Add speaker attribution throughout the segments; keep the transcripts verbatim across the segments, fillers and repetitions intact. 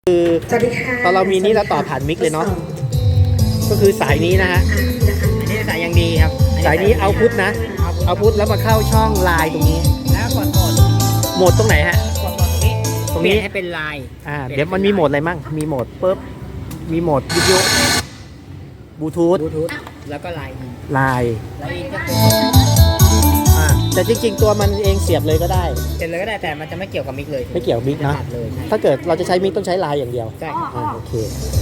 Speaker 1: คือตอนเรามีนี้แล้วต่อผ่านมิกเลยเนาะก็คือสายนี้นะฮะ
Speaker 2: อันนี้สายยังดีครับ
Speaker 1: สายนี้เอาพุทนะเอาพุทแล้วมาเข้าช่องไลน์ตรงนี้
Speaker 2: แล้วกดโหมด
Speaker 1: โหมดตรงไหนฮะ
Speaker 2: กดโหมดตรงนี้ตรงนี้ให้เป็นไลน์
Speaker 1: อ่าเดี๋ยวมันมีโหมดอะไรมั่งมีโหมดปุ๊บมีโหมดวิดีโอบลูทูธ
Speaker 2: บลูทูธแล้วก็ไลน์
Speaker 1: ไลน์
Speaker 2: ไลน์ก็คือ
Speaker 1: อ่าแต่จริงๆตัวมันเองเสียบเลยก็ได้
Speaker 2: เสร็จเลยก็ได้แต่มันจะไม่เกี่ยวกับมิกเลย
Speaker 1: ไม่เกี่ยวกับมิกนะถ้าเกิดเราจะใช้มิกต้องใช้ไลน์อย่างเดียว
Speaker 2: ใช่
Speaker 1: โอเค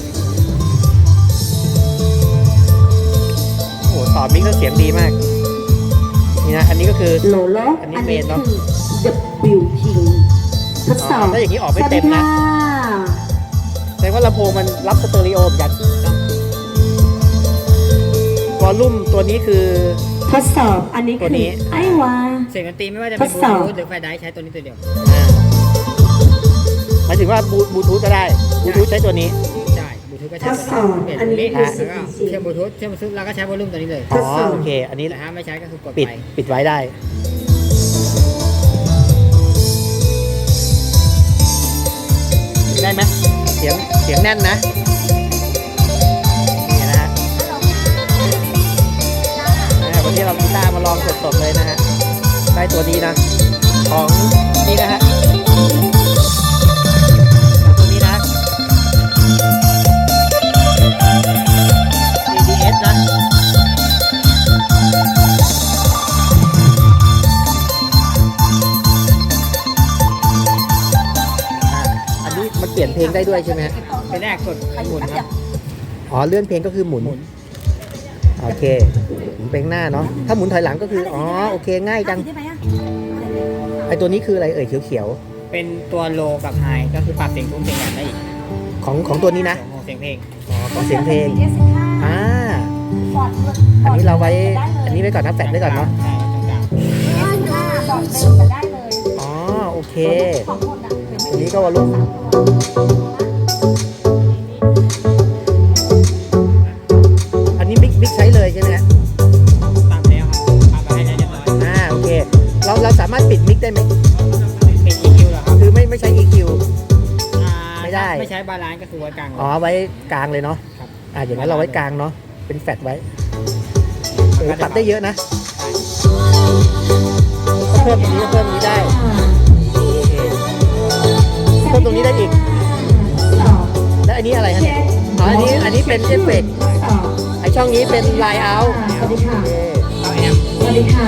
Speaker 1: โอ้ต่อมิกก็เสียงดีมากนี่นะอันนี้ก็คือ
Speaker 3: โลโล
Speaker 1: อันนี้เบนเนาะ
Speaker 3: ดับเบิลยู King ทดสอบ
Speaker 1: ถ้าอย่างนี้ออกไม่เต็มนะแสดงว่าลำโพงมันรับสเตอริโอเหมือนกันวอลลุ่มตัวนี้คือ
Speaker 3: ทดสอบอันนี้คือไอ้วา
Speaker 2: เสียงดนตรีไม่ว่าจะเป็นบลูทูธหรือไฟไดร์ใช้ตัวนี้ตัวเดียว
Speaker 1: หมายถึงว่าบลูทูธก็ได้บลูทูธใช้ตัวนี้
Speaker 2: ใช่บลูทูธก็ใช้ตัวนี้เปลี่ยนตัวนี้แล้วก็เชื่อมบลูทูธเชื่อมบลูทูธเราก็ใช้วอลลุ่มตัวนี้เลย
Speaker 1: อ๋อโอเคอันนี้
Speaker 2: แต่ถ้าไม่ใช้ก็คือกด
Speaker 1: ปิดปิดไว้ได้ได้ไหมเสียงเสียงแน่นนะนี่นะฮะวันนี้เรากีตาร์มาลองสดๆเลยนะฮะได้ตัวนี้นะของนี่นะฮะตัวนี้นะ เอ ดี เอส นะอันนี้มันเปลี่ยนเพลงได้ด้วยใช่ไหมฮะ
Speaker 2: เป็นแรกกดหมุนครับ
Speaker 1: อ๋อเลื่อนเพลงก็คือหมุนโอเคหมุนเพลงหน้าเนาะถ้าหมุนถอยหลังก็คืออ๋อโอเคง่ายจังไอตัวนี้คืออะไรเอ่ยเขียว
Speaker 2: ๆเป็นตัวโลกับไฮก็คือปรับเสียงทุ้มเสียงหยาบได้อีก
Speaker 1: ของของตัวนี้นะ
Speaker 2: ของเสียงเพลง
Speaker 1: อ๋อของเสียงเพลงอ่าอันนี้เราไว้อันนี้ไว้ก่อนนะแฟลชไว้ก่อนเนาะอ๋อโอเคอันนี้ก็วอลลุ่มอันนี้มิกมิกใช้เลยใช่ไหมฮะ
Speaker 2: ปรับแล้วครับปรับไปให้ได้เรียบร้อย
Speaker 1: อ่าโอเคเราเราสามารถปิดมิกได้ไหม
Speaker 2: เป็น อี คิว เหรอครับ
Speaker 1: คือไม่ไม่ใช้ อี คิว
Speaker 2: ไม่ได้ไม่ใช้บาลานซ์ก็คือไว้กลาง
Speaker 1: อ๋อไว้กลางเลยเนาะอ่าอย่างนั้นเราไว้กลางเนาะเป็นแฟลชไว้ปรับได้เยอะนะเพิ่มตรงนี้เพิ่มนี้ได้เพิ่มตรงนี้ได้อีกแล้วอันนี้อะไรฮะเนี่ยอ๋ออันนี้อันนี้เป็นเอฟเฟกต์ไอช่องนี้เป็นไลน์เอาท์
Speaker 3: สวัสดีค่ะ
Speaker 2: เอาแอม
Speaker 3: สวัสดีค่ะ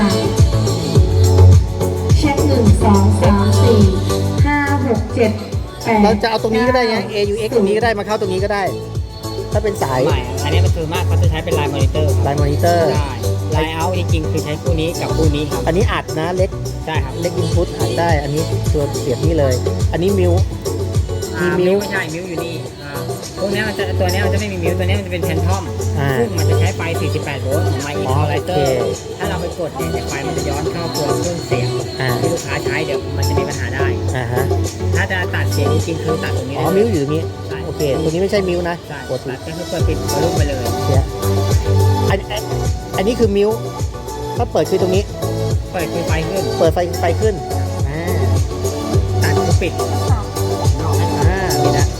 Speaker 3: เช็คหนึ่งสองสามสี่ห้าหกเจ็ดแปด
Speaker 1: เราจะเอาตรงนี้ก็ได้ไง เอ ยู เอ็กซ์ ตรงนี้ก็ได้มาเข้าตรงนี้ก็ได้ถ้าเป็นสาย
Speaker 2: ใหม่อันนี้มันคือมากเขาจะใช้เป็นไลน์มอนิเตอร์
Speaker 1: ไลน์มอนิเตอร์
Speaker 2: ได้ไลน์เอาท์จริงๆคือใช้คู่นี้กับคู่นี้ครับ
Speaker 1: อันนี้อัดนะเล็ก
Speaker 2: ใช่ครับ
Speaker 1: เล็กอินพุตอัดได้อันนี้ตัวเสียบนี่เลยอันนี้มิว
Speaker 2: มีมิวไม่ใช่มิวอยู่นี่พวกนี้มันจะตัวนี้มันจะไม่มีมิวตัวนี้มันจะเป็นแพนทอมซึ่งมันจะใช้ไฟสี่สิบแปดโวลต์ของไมค์อินพอไลเตอร์ถ้าเราไปกดเนี่ยไฟมันจะย้อนเข้าตัวเครื่องเสียงที่ลูกค้าใช้เดี๋ยวมันจะมีปัญหาได้ถ้าจะตัดเสียงจริงๆคือตัดตรงนี้
Speaker 1: อ๋อมิวอยู่ตรงนี้โอเคตัวนี้ไม่ใช่มิวนะ
Speaker 2: กดตัดก็คือเปิดปิดวอลลุ่มไปเลย
Speaker 1: อันอันนี้คือมิวถ้าเปิดคือตรงนี้
Speaker 2: เปิดคือไฟขึ้น
Speaker 1: เปิดไฟไฟขึ้นอ่า
Speaker 2: ตัดคือปิด
Speaker 1: อ่านี่นะ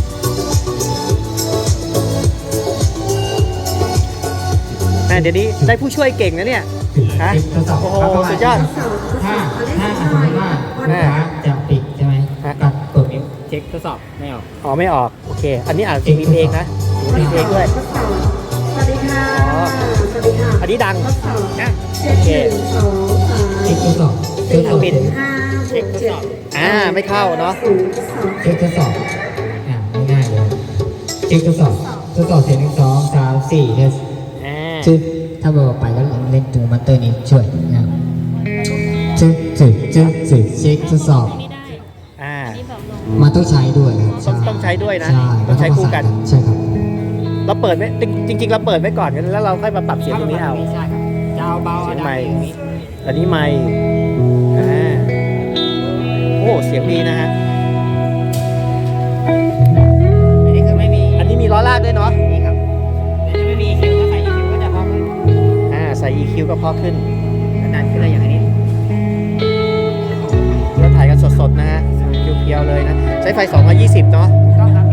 Speaker 1: เดี๋ยวนี้ได้ผู้ช่วยเก่งนะเนี่ยฮะโอ้โหสุดยอด
Speaker 2: ถ้าถ้าสมมติว่าลูกค้าจะปิดใช่ไหมตัดเปิดมิวเช็คทดสอบไม่ออก
Speaker 1: อ๋อไม่ออกโอเคอันนี้อาจจะมีเพลงนะมีเพลงด้วย
Speaker 3: สวัสดีค่ะสวัสดีค่ะ
Speaker 1: อันนี้ดัง
Speaker 2: นะ
Speaker 1: โอเค
Speaker 2: เช็คทดสอบ
Speaker 1: เช็คปิด
Speaker 2: เช็คทดสอบ
Speaker 1: อ่าไม่เข้าเนาะ
Speaker 2: เช็คทดสอบอ่าง่ายเลยเช็คทดสอบทดสอบเสียงหนึ่งสองสามสี่เทสจึ๊บถ้าบอกไปก็เล่นตัวมัตเตอร์นี้ช่วยนะจึ๊บจึ๊บจึ๊บจึ๊บเช็คทดสอบ
Speaker 1: อ่า
Speaker 2: มันต้องใช้ด้วย
Speaker 1: ต้องต้องใช้ด้วยนะต้องใช้คู่กัน
Speaker 2: ใช่ครับ
Speaker 1: เราเปิดไว้จริงๆเราเปิดไว้ก่อนแล้วเราค่อยมาปรับเสียงตรงนี้เอา
Speaker 2: ใช่ครับจะเอาเบา
Speaker 1: เสียงไมค์อันนี้ไมค์อ่าโอ้เสียงดีนะฮะ
Speaker 2: อันนี้คือไม่มี
Speaker 1: อันนี้มีล้อลากด้วยเนาะ
Speaker 2: นี่ครับแต่ไม่มี อี คิว ก็ใส่ อี คิว ก็จะพอขึ้น
Speaker 1: อ่าใส่ อี คิว ก็พอขึ้น
Speaker 2: นานขึ้นอะไรอย่างนี้
Speaker 1: เราถ่ายกันสดๆนะฮะเพียวๆเลยนะใช้ไฟสองร้อยยี่สิบเนาะ
Speaker 2: ถูกต้องครับ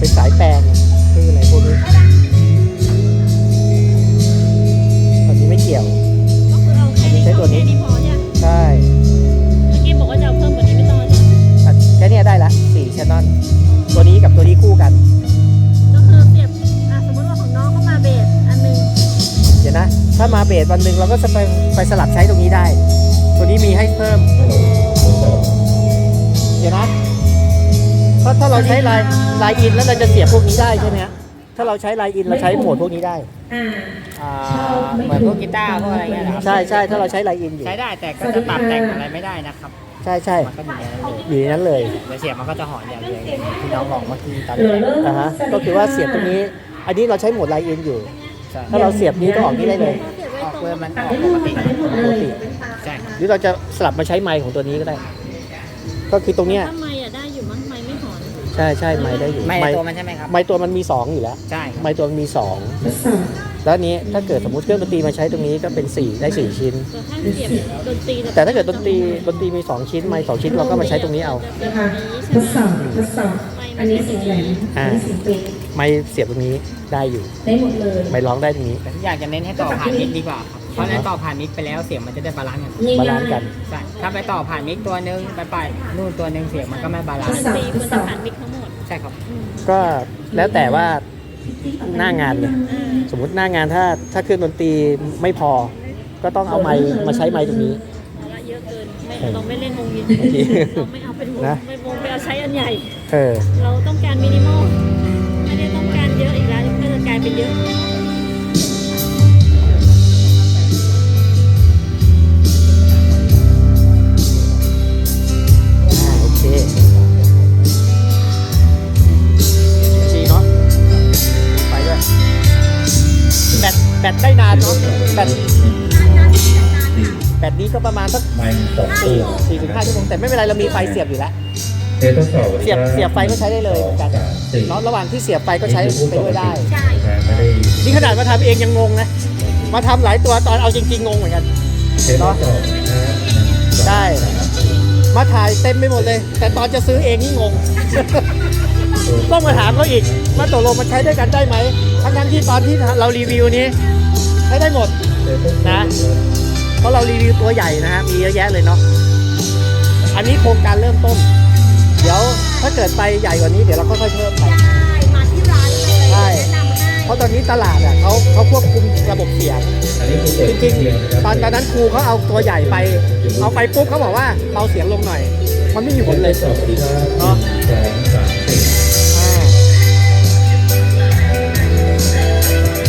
Speaker 1: เป็นสายแปลงคืออะไรพวกนี้ตอนนี้ไม่เกี่ยว
Speaker 4: ก็คือเอาแค่นี้
Speaker 1: ใช้ตัวนี้
Speaker 4: แค่นี้พอใช่ไหม
Speaker 1: ใช่
Speaker 4: เมื่อกี้บอกว่าจะเอาเพิ่มกว่านี้ไม่ต้องใช่ไหม
Speaker 1: อ่ะแค่เนี้ยได้ละสี่ชแนลตัวนี้กับตัวนี้คู่กัน
Speaker 4: ก็คือเสียบอ่ะสมมติว่าของน้องเข้ามาเบสอันหนึง
Speaker 1: เดี๋ยวนะ ถ้ามาเบสวันหนึ่งเราก็จะไปไปสลับใช้ตรงนี้ได้ ตัวนี้มีให้เพิ่ม เดี๋ยวนะถ้าถ้าเราใช้ไลน์ไลน์อินแล้วเราจะเสียบพวกนี้ได้ใช่ไหมฮะถ้าเราใช้ไลน์อินเราใช้โหมดพวกนี้ได้
Speaker 3: อ่า
Speaker 2: อ่าเหมือนพวกกีตาร์พวกอะไรเงี้ยนะครับ
Speaker 1: ใช่ใช่ถ้าเราใช้ไลน์อินอยู่
Speaker 2: ใช้ได้แต่ก็จะปรับแต่งอะไรไม่ได้นะครับ
Speaker 1: ใช่ใช่
Speaker 2: มันก็อยู่ในนั้นเลย
Speaker 1: อยู่ในนั้นเลย
Speaker 2: เดี๋ยวเสียบมันก็จะหอนอย่างเดียวที่น้องบอกเมื่อกี้ตอน
Speaker 3: เหลือ
Speaker 2: แรก
Speaker 3: เริ่ม
Speaker 1: อ่าฮะก็คือว่าเสียบตรงนี้ อันนี้เราใช้โหมดไลน์อินอยู่
Speaker 2: ใช่
Speaker 1: ถ้าเราเสียบนี้ก็ออกนี้ได้เลย
Speaker 2: ออกเพื่อมันอ
Speaker 3: ตัด
Speaker 2: อก
Speaker 3: ได้
Speaker 2: ป
Speaker 3: หม
Speaker 2: ก
Speaker 3: ด
Speaker 2: ติ
Speaker 3: ตัดได้หมดเลย
Speaker 2: ใช่ครับ
Speaker 1: หรือเราจะสลับมาใช้ไมค์ของตัวนี้ก็ได้ ก็คือตรงเนี้ย
Speaker 4: ถ้าไม่อ่ะได้อยู่มั้งไม่ไม่หอน
Speaker 1: ใช่ใช่ไมค์ได้อยู่
Speaker 2: ไม่
Speaker 1: ไม
Speaker 2: ใน
Speaker 1: ค์
Speaker 2: ตัวมันใช่ไหมครับ
Speaker 1: ไมค์ตัวมันมีสองอยู่แล้ว
Speaker 2: ใช่ครับ
Speaker 1: ไมค์ตัวมันมีสอง
Speaker 3: ทดสอบ
Speaker 1: แล้วอันนี้ถ้าเกิดสมมติเครื่องดนตรีมาใช้ตรงนี้ก็เป็นสี่ได้สี่ชิ้น
Speaker 4: แต่ถ้าเสียบดนตรี
Speaker 1: แต่ถ้าเกิดดนตรีดนตรีมีสองชิ้นไมค์สองชิ้นเราก็มาใช้ตรงนี้เอา
Speaker 3: นะคะทดสอบทดสอบอันนี้เสียงแหลมอันนี้เสียงเปรย์
Speaker 1: ไมค์เสียบตรงนี้ได้อยู่
Speaker 3: ได้หมดเลย
Speaker 1: ไมค์ร้องได้ตรงนี้
Speaker 2: แต่ทุกอย่างจะเน้นให้ต่อผ่านมิกดีกว่าครับเพราะในต่อผ่านมิกไปแล้วเสียงมันจะได้บาลานซ์กัน
Speaker 1: บาลานซ์กัน
Speaker 2: ใช่ถ้าไปต่อผ่านมิกตัวหนึงไปไปนู่นตัวหนึงเสียงมันก็ไม่บาลาน
Speaker 4: ด
Speaker 2: ซ์
Speaker 4: นตรีควรจะผ่านมิกทั้งหมด
Speaker 2: ใช่ครับ
Speaker 1: ก็แล้วแต่ว่าหน้างานเนี่ย
Speaker 4: เออ
Speaker 1: สมมติหน้างานถ้าถ้าเครื่องดนตรีไม่พอ ก็ต้องเอาไมค์มาใช้ไมค์ตรงนี้
Speaker 4: ภาระเยอะเกินไม่เราไม่เล่นวงวิน
Speaker 1: โอเค
Speaker 4: เราไม่เอาเป็นวง
Speaker 1: นะ
Speaker 4: ไม่วงไปเอาใช้อันใหญ่
Speaker 1: เออ
Speaker 4: เราต้องการมินิมอลไม่ได้ต้องการเยอะอีกแล้วก็จะกลายเป็นเยอะ
Speaker 1: อ่าโอเคดีเนาะไปด้วยแบตแบตได้นานเนาะแบตแบตนี้ก็ประมาณสัก
Speaker 5: ไม่สอง
Speaker 1: สี่
Speaker 5: ตัว
Speaker 1: สี่ถึงห้าชั่วโมงแต่ไม่เป็นไรเรามีไฟเสียบอยู่แล้ว
Speaker 5: เทสทดสอบ
Speaker 1: เสียบเสียบไฟก็ใช้ได้เลยเหมือนกัน
Speaker 5: สามสี่
Speaker 1: เนาะระหว่างที่เสียบไฟก็ใช้ไปด้วยได้
Speaker 4: ใช่
Speaker 5: ไม่ได้
Speaker 1: นี่ขนาดมาทำเองยังงงนะ มาทำหลายตัวตอนเอาจริงๆงงเหมือนกัน
Speaker 5: เทสทดสอบนะ
Speaker 1: ได้ มาถ่ายเต็มไปหมดเลย แต่ตอนจะซื้อเองนี่งง ต้องมาถามเขาอีกว่าตกลงมันใช้ด้วยกันได้ไหมทั้งนั้นที่ตอนที่เรารีวิวนี้ใช้ได้หมด นะ เพราะเรารีวิวตัวใหญ่นะฮะมีเยอะแยะเลยเนาะอันนี้โครงการเริ่มต้น เดี๋ยวถ้าเกิดไปใหญ่กว่านี้เดี๋ยวเราก็ค่อยเพิ่มไป
Speaker 4: มาที่ร้านเลย
Speaker 1: ใช่
Speaker 4: แนะนำให้
Speaker 1: เพราะตอนนี้ตลาดอ่ะเขาเขาควบคุมระบบเสียง
Speaker 5: อันนี้คือเปิด
Speaker 1: จริง
Speaker 5: เสียะคบ
Speaker 1: ๆ ตอนตอนนั้นครูเขาเอาตัวใหญ่ไป เอาไปปุ๊บเขาบอกว่าเบาเสียงลงหน่อย มันไม่มีผลเลย
Speaker 5: ทดสอบดีครับ
Speaker 1: เนาะ
Speaker 5: สอง